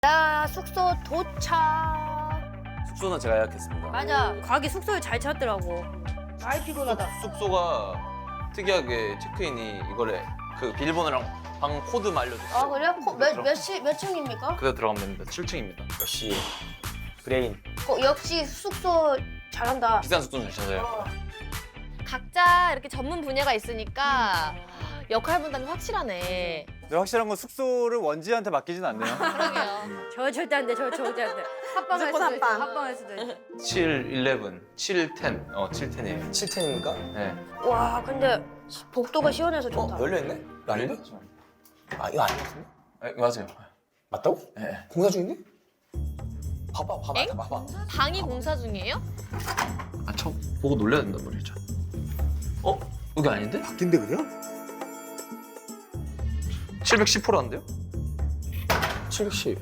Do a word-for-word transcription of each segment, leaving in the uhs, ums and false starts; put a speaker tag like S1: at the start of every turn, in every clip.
S1: 나 숙소 도착.
S2: 숙소는 제가 예약했습니다.
S1: 맞아. 가기 숙소에 잘 찾더라고. 아이 피곤하다.
S2: 숙소가 특이하게 체크인이 이거래. 그 비밀번호랑 방 코드만 알려줬어요.
S1: 아 그래요? 코- 몇, 몇, 시, 몇 층입니까?
S2: 그대로 들어가면 됩니다. 칠 층입니다.
S3: 역시 브레인.
S1: 어, 역시 숙소 잘한다.
S2: 비싼 숙소는 주셔서요.
S4: 각자 이렇게 전문 분야가 있으니까 역할 분담이 확실하네.
S5: 근데 확실한 건 숙소를 원지한테 맡기진 않네요.
S4: 그러게요.
S1: 저 절대 안 돼. 저 절대 안 돼. 합방할 수도 있어. 합방할 수도 있어.
S2: 칠, 일레븐, 칠, 텐. 어, 칠, 텐이에요.
S3: 칠 텐입니까?
S2: 네.
S1: 와 근데 복도가 시원해서 좋다.
S3: 어, 열려있네? 이거 아닌데? 아, 이거 아닌 것 같은데?
S2: 네, 맞아요.
S3: 맞다고?
S2: 네.
S3: 공사 중인데? 봐봐, 봐봐,
S4: 엥?
S3: 봐봐.
S4: 방이 공사 중이에요?
S2: 아, 저 보고 놀려야 된단 말이죠. 어? 여기 아닌데?
S6: 바뀐데 그냥?
S2: 칠백십 호라는데요?
S3: 칠백십.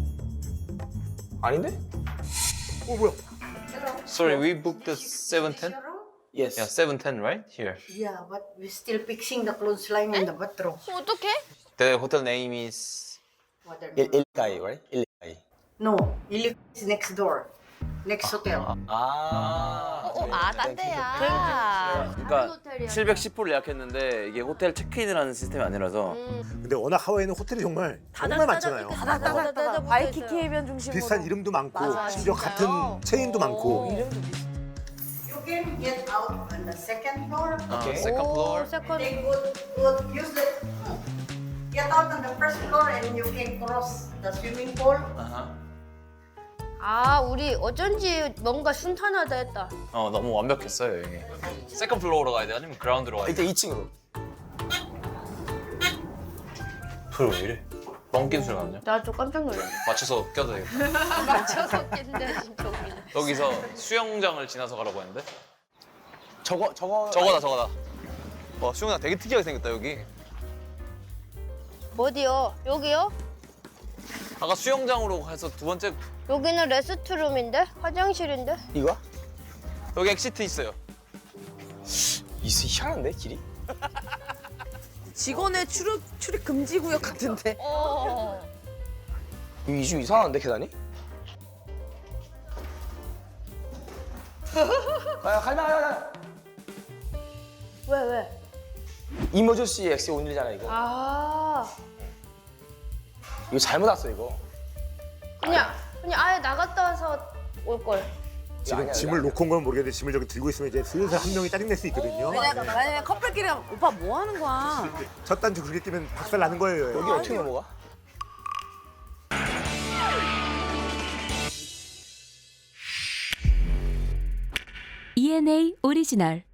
S3: 아닌데?
S6: 어 뭐야?
S2: Sorry, we booked the seven ten?
S3: Yes.
S2: Yeah, seven ten, right? Here.
S7: Yeah, but we're still fixing the clothesline in the bathroom.
S4: 어, 어떡해?
S2: The hotel name is...
S7: What are
S3: 일,
S7: they?
S3: 일가이, right? 일가이.
S7: No, Ili is next door. Next hotel.
S3: 아.
S4: 어, 어, 아, 딴 데야.
S2: 그러니까 칠백십 호를 예약했는데 이게 호텔 체크인을 하는 시스템이 아니라서
S6: 근데 워낙 하와이는 호텔이 정말 정말 많잖아요.
S1: 따다다다다
S8: 바이키키 해변 중심으로
S6: 비슷한 이름도 많고
S8: 맞아,
S6: 심지어
S4: 진짜요?
S6: 같은 체인도 많고.
S7: You can get out on the second floor.
S3: 오케이.
S2: 세컨 플로어.
S1: 세컨.
S7: They would, would use the get out on the first floor and you can cross the swimming pool.
S1: 아 우리 어쩐지 뭔가 순탄하다 했다.
S2: 어, 너무 완벽했어요, 여기. 세컨 플로어로 가야 돼? 아니면 그라운드로 가야 돼?
S3: 일단 이 층으로.
S2: 불왜 이래? 멍낀 소리 나냐?
S1: 나 좀 깜짝 놀랐네.
S2: 맞춰서 껴도 되겠다.
S1: 맞춰서 깼는데 진짜 웃기네.
S2: 여기서 수영장을 지나서 가라고 했는데?
S3: 저거, 저거.
S2: 저거다, 저거다. 와, 수영장 되게 특이하게 생겼다, 여기.
S1: 어디요? 여기요?
S2: 아까 수영장으로 가서 두 번째,
S1: 여기는 레스트룸인데? 화장실인데?
S3: 이거야?
S2: 여기 엑시트 있어요.
S3: 이스 희한한데, 길이?
S8: 직원의 출입 출입 금지 구역 같은데.
S4: 어.
S3: 이거 이주 이상한데, 계단이? 아, 가자, 가자, 가자.
S1: 왜 왜?
S3: 이머저시 엑스 온일이잖아, 이거.
S1: 아
S3: 이거 잘못 왔어, 이거.
S1: 그냥 그냥 아예 나갔다 와서 올 걸.
S6: 지금
S3: 아니야,
S6: 짐을
S3: 아니야.
S6: 놓고 온 건 모르겠는데 짐을 저기 들고 있으면 이제 슬슬 한 명이 짜증낼 수 있거든요.
S8: 왜냐면 만약에 커플끼리 하면 오빠 뭐 하는 거야?
S6: 첫 단추 그렇게 끼면 박살 나는 거예요.
S3: 여기 어떻게 넘어가?
S9: 이엔에이 오리지널